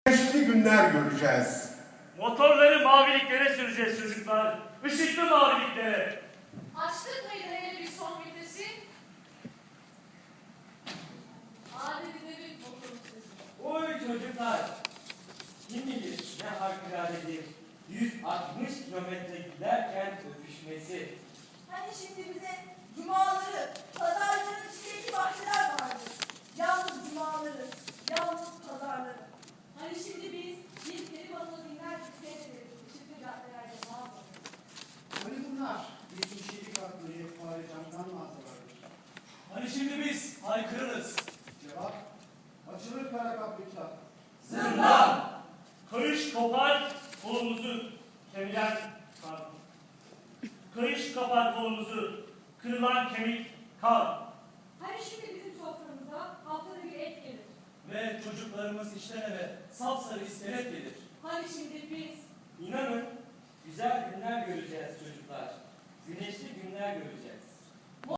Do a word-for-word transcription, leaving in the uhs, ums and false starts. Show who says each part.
Speaker 1: güneşli günler göreceğiz.
Speaker 2: Motorları maviliklere süreceğiz çocuklar. Işıklı maviliklere.
Speaker 3: Açtık mıydı hele bir son vitesi? Adetinde bir motorun sesi.
Speaker 4: Oy çocuklar! Kim bilir ne harikuladedir yüz altmış kilometre giderken öpüşmesi.
Speaker 5: Hani şimdi bize cumaları, pazarların içindeki bahçeler vardı. Yalnız cumaları, yalnız pazarları.
Speaker 3: Hani şimdi biz bir peri balığı dinler gibi seyrederiz. Işıklı caddelerde mağazaları.
Speaker 6: Hani bunlar bizim şehir hakları fare camdan mağazalardır.
Speaker 7: Hani şimdi biz haykırırız.
Speaker 6: Cevap, açılır kara kaplıklar.
Speaker 4: Zırlan!
Speaker 2: Kayış kopar kolumuzu kemiren kar. Kayış kapar kolumuzu kırılan kemik kar.
Speaker 3: Hani şimdi bizim soframıza haftada bir et gelir.
Speaker 7: Ve çocuklarımız işten eve sapsarı iskelet gelir.
Speaker 3: Hani şimdi biz
Speaker 4: İnanın güzel günler göreceğiz çocuklar. Güneşli günler göreceğiz.